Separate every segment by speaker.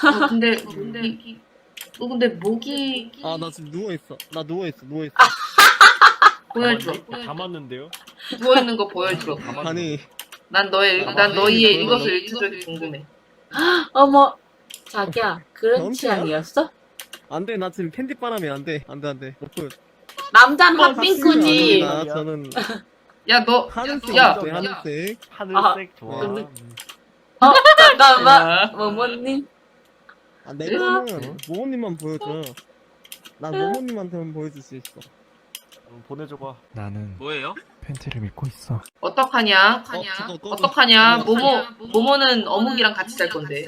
Speaker 1: 근데 목이
Speaker 2: 아, 나 지금 누워있어. 나 누워있어.
Speaker 1: 보여줘.
Speaker 3: 담았는데요?
Speaker 1: 누워 있는 거 보여줘.
Speaker 2: 아니,
Speaker 1: 난
Speaker 2: 담았는데
Speaker 1: 너희의
Speaker 2: 보여달라고?
Speaker 1: 이것을 일치적이 궁금해.
Speaker 4: 어머, 자기야, 그런
Speaker 2: 변태야?
Speaker 4: 취향이었어?
Speaker 2: 안 돼. 나 지금 캔디바람이 안 돼. 안 돼.
Speaker 4: 남잔
Speaker 1: 어,
Speaker 4: 핫핑크지.
Speaker 2: 아닙니다. 저는
Speaker 1: 야, 너
Speaker 2: 하늘색
Speaker 1: 야,
Speaker 2: 있어요, 하늘색.
Speaker 3: 하늘색 좋아.
Speaker 4: 근데- 잠깐만,
Speaker 1: 야.
Speaker 4: 모모님.
Speaker 2: 아, 내 거는 모모님만 보여줘. 난 모모님한테만 보여줄 수 있어.
Speaker 3: 보내줘봐.
Speaker 5: 나는
Speaker 6: 뭐예요?
Speaker 5: 팬티를 믿고 있어.
Speaker 1: 어떡하냐?
Speaker 2: 그거 꺼줘.
Speaker 1: 어떡하냐?
Speaker 2: 꺼줘.
Speaker 1: 모모는 어묵이랑 같이 살 건데.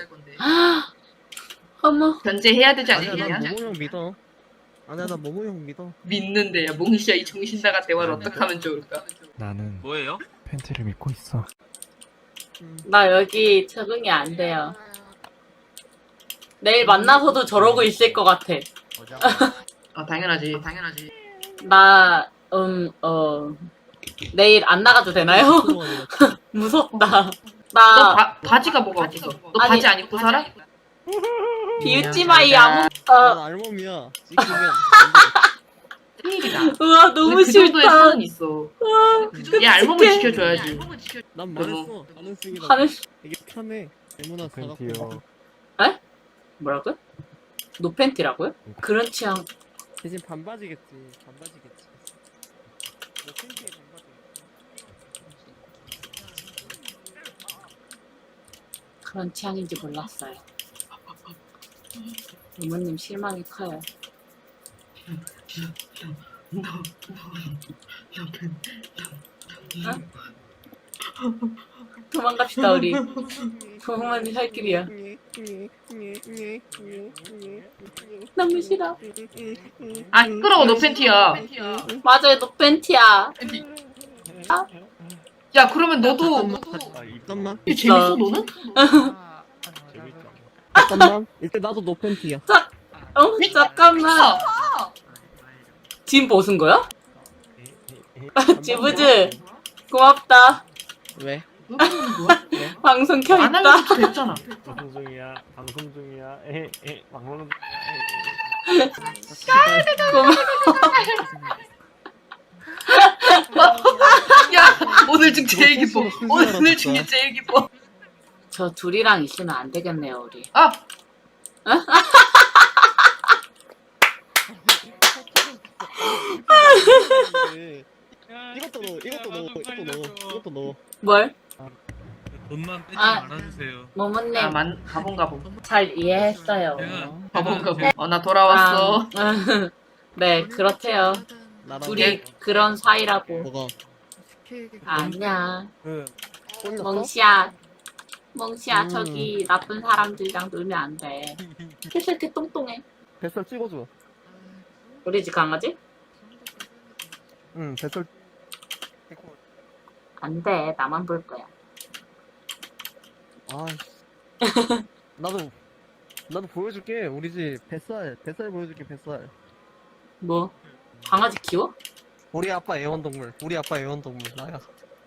Speaker 4: 어머,
Speaker 1: 견제해야 되지
Speaker 2: 아니야,
Speaker 1: 않겠냐?
Speaker 2: 난 모모 형 믿어. 아니야, 나 모모 형 믿어.
Speaker 1: 믿는데, 야, 몽시야, 이 정신 나간 대화를 어떻게 하면 좋을까?
Speaker 5: 나는
Speaker 6: 뭐예요?
Speaker 5: 팬티를 믿고 있어.
Speaker 4: 나 여기 적응이 안 돼요. 내일 만나서도 저러고 있을 것 같아.
Speaker 1: 아, 당연하지.
Speaker 4: 나, 내일 안 나가도 되나요? 무섭다.
Speaker 1: 너
Speaker 4: 나,
Speaker 1: 바지가 뭐가 없어? 너
Speaker 4: 아니,
Speaker 1: 바지 안 입고 살아?
Speaker 4: 비웃지 마, 이 아무,
Speaker 2: 난 알몸이야. 찍히면
Speaker 1: 큰일이다.
Speaker 4: 우와, 너무
Speaker 1: 그 정도의
Speaker 4: 싫다.
Speaker 1: 선은 있어. 얘 알몸을 지켜줘야지.
Speaker 2: 난 말했어. 하늘색이라.
Speaker 4: 하늘,
Speaker 2: 이게 편해. 얼마나
Speaker 3: 팬티요.
Speaker 2: 사갖고.
Speaker 4: 뭐라고요? 노팬티라고요? 그런 취향,
Speaker 2: 대신 반바지겠지. 너 팬티에 반바지.
Speaker 4: 그런 취향인지 몰랐어요. 부모님 실망이 커요. 도망갑시다, 우리. 부모님 살 길이야. 너무 싫어.
Speaker 1: 아, 시끄러워, 너 팬티야.
Speaker 4: 맞아요, 노팬티야.
Speaker 1: 야, 그러면 너도
Speaker 2: 잠깐만.
Speaker 1: 이게 재밌어, 너는?
Speaker 3: 재밌잖아.
Speaker 2: 잠깐만. 일단 나도 너 팬티야.
Speaker 4: 잠깐만. 지금 벗은 거야? 지부즈, 고맙다.
Speaker 2: 왜?
Speaker 4: 방송
Speaker 1: 안
Speaker 4: 켜있다.
Speaker 1: 하려도 됐잖아.
Speaker 3: 방송 중이야. 방송
Speaker 1: 야, 오늘 중 제일 기뻐.
Speaker 2: 너 스스로
Speaker 1: 오늘
Speaker 2: 진짜.
Speaker 1: 중에 제일 기뻐.
Speaker 4: 저 둘이랑 있으면 안 되겠네요, 우리.
Speaker 1: 아,
Speaker 2: 이것도 넣어.
Speaker 4: 뭘?
Speaker 6: 돈만 빼지
Speaker 4: 아.
Speaker 6: 말아주세요.
Speaker 4: 모모님,
Speaker 1: 가본.
Speaker 4: 잘 이해했어요.
Speaker 1: 가본. 나 돌아왔어.
Speaker 4: 네, 그렇대요.
Speaker 2: 나랑
Speaker 4: 둘이 그런 사이라고.
Speaker 2: 뭐가?
Speaker 4: 아니야.
Speaker 2: 꼴렸어?
Speaker 4: 멍시야, 저기 나쁜 사람들이랑 놀면 안 돼. 그래서 이렇게 똥똥해.
Speaker 2: 뱃살 찍어줘.
Speaker 4: 우리 집 강아지?
Speaker 2: 응, 뱃살.
Speaker 4: 안 돼, 나만 볼 거야.
Speaker 2: 아, 나도 보여줄게. 우리 집 뱃살 보여줄게. 뱃살.
Speaker 4: 뭐? 강아지 키워?
Speaker 2: 우리 아빠 애완동물 나야.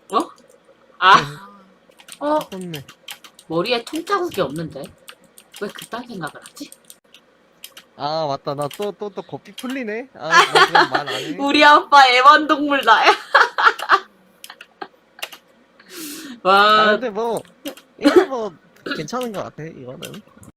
Speaker 4: 아,
Speaker 2: 컸네.
Speaker 4: 머리에 통자국이 없는데? 왜 그딴 생각을 하지?
Speaker 2: 아, 맞다. 나 또 겁이 풀리네. 아, 나 그냥 말 안 해.
Speaker 4: 우리 아빠 애완동물 나야.
Speaker 2: 아,
Speaker 4: 와,
Speaker 2: 근데 뭐 이거 뭐 괜찮은 것 같아. 이거는.